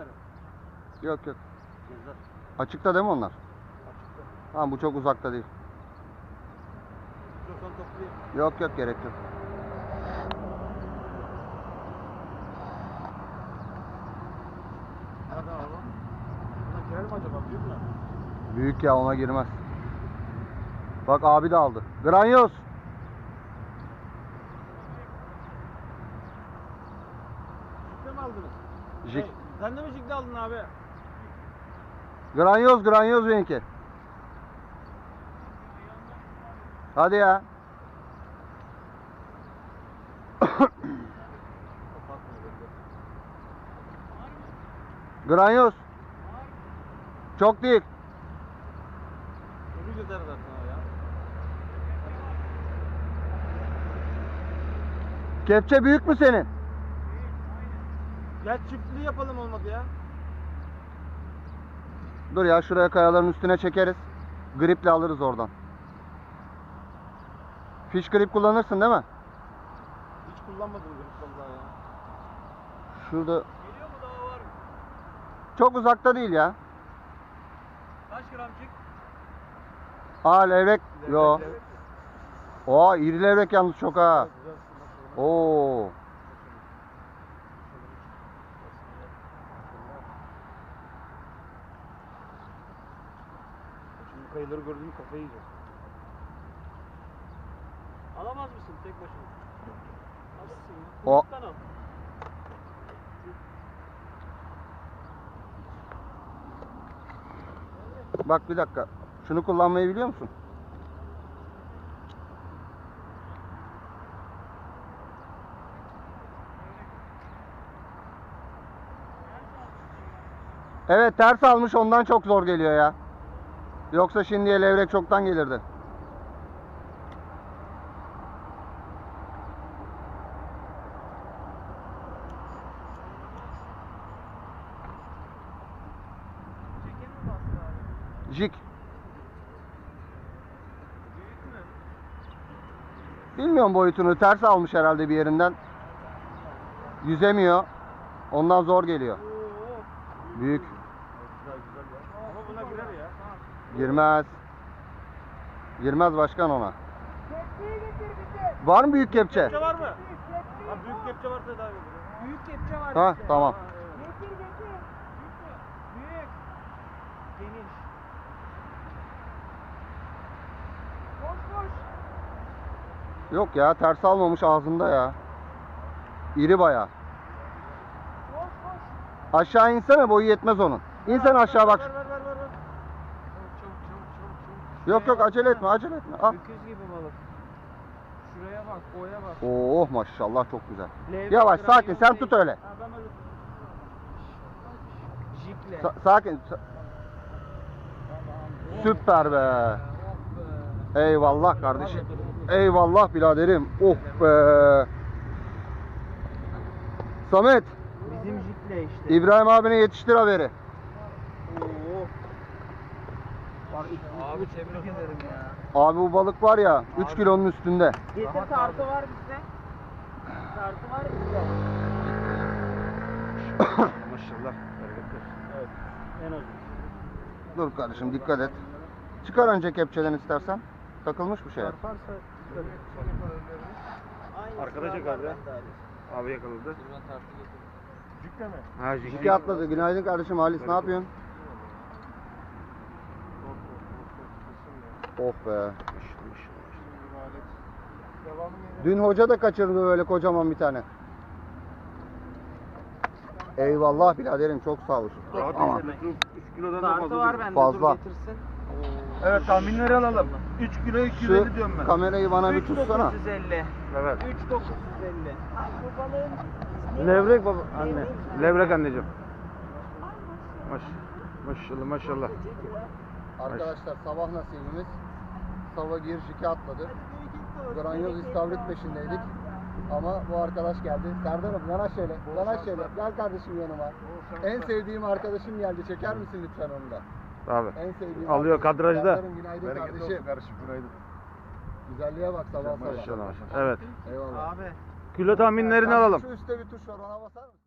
onları? Yok yok. Cezat. Açıkta değil mi onlar? Açıkta. Tamam bu çok uzakta değil. Mikrofon toplayayım. Yok yok gerek yok. Nerede araba? Buna girer mi acaba? Büyük mü? Büyük ya ona girmez. Bak abi de aldı. Granyoz. Jikle mi aldınız? Jik. Hey, sen de mi jikle aldın abi? Granyoz benimki. Hadi ya. Granyoz. Çok değil. Öbür gider zaten o ya. Kepçe büyük mü senin? Gel çiftliği yapalım olmadı ya. Dur ya şuraya kayaların üstüne çekeriz. Griple alırız oradan. Fiş grip kullanırsın değil mi? Hiç kullanmadım grip vallahi ya. Şurada Geliyor mu daha var mı? çok uzakta değil ya. Kaç gramcık? Aa levrek. Yo. Levrek. Oo iri levrek yalnız çok ha. Güzel, Oo. Şimdi kayıları gördüğüm kafayı yiyeceğiz. Alamaz mısın tek başına? Nasılsın ya? O- Kuyruktan al. Bak bir dakika. Şunu kullanmayı biliyor musun? Evet ters almış ondan çok zor geliyor ya. Yoksa şimdiye levrek çoktan gelirdi. Çekin mi bastı abi? Jik. Büyük mü? Bilmiyorum boyutunu. Ters almış herhalde bir yerinden. Yüzemiyor. Ondan zor geliyor. Oo. Büyük. Güzel güzel ya. Ama buna girer ya. Girmez. Girmez başkan ona. Kepçeyi getir bize. Var mı büyük kepçe? Kepçe var mı? Kepçeyi Ha büyük kepçe varsa daha iyi olur. Büyük kepçe var Ha bizde. tamam. Getir getir. Büyük. Geniş. Koş koş. Yok ya ters almamış ağzında ya. İri baya. Koş koş. Aşağı insene boyu yetmez onun. İnsen aşağı bak. Ver. Çabuk. Yok yok acele etme acele etme. Al. Öküz gibi balık. Şuraya bak, boya bak. Oh maşallah çok güzel. Levrek, Yavaş sakin granyon sen değil. tut öyle. Ha ben böyle Jikle. Sakin. Süper be. Oh be. Eyvallah kardeşim. Eyvallah biraderim. Oh be. Samet, Bizim jikle işte. İbrahim abine yetiştir haberi. Oo. Abi tebrik ederim ya. Abi bu balık var ya 3 kilonun üstünde. Getir tartı var bizde. Tartı var bizde. maşallah. Evet. En az. Dur kardeşim dikkat et. Çıkar önce kepçeden istersen. Takılmış bir şey. Çarparsa arkadaşa galiba. Abi yakaladı. Jikle mi? Ha Jiki atladı. Günaydın kardeşim Halis ne yapıyorsun? Oh be. Dün hoca da kaçırdı böyle kocaman bir tane. Eyvallah biraderim çok sağ olsun. Aman. 3 kilodan da Tartı fazla. var bende. Fazla. Dur getirsin. Evet tahminleri alalım. 3 kilo 250 Şu diyorum ben. kamerayı bana bir tutsana. 3950. Evet. 3950. Bu balığın Levrek baba anne. Levrek anneciğim. Maşallah. Arkadaşlar sabah nasibimiz. Sava gir jiki atladı. Granyoz istavrit peşindeydik. Ama bu arkadaş geldi. Serdar'ım yanaş şöyle. Yanaş şöyle. Gel kardeşim yanıma. En sevdiğim arkadaşım geldi. Çeker misin lütfen onu da? Abi. En sevdiğim Alıyor arkadaşım. kadrajda. Serdar'ım günaydın kardeşim. Kardeşim günaydın. Güzelliğe bak sabah sabah. Evet. Eyvallah. Abi. Kilo tahminlerini alalım. Şu üstte bir tuş var ona basar mısın?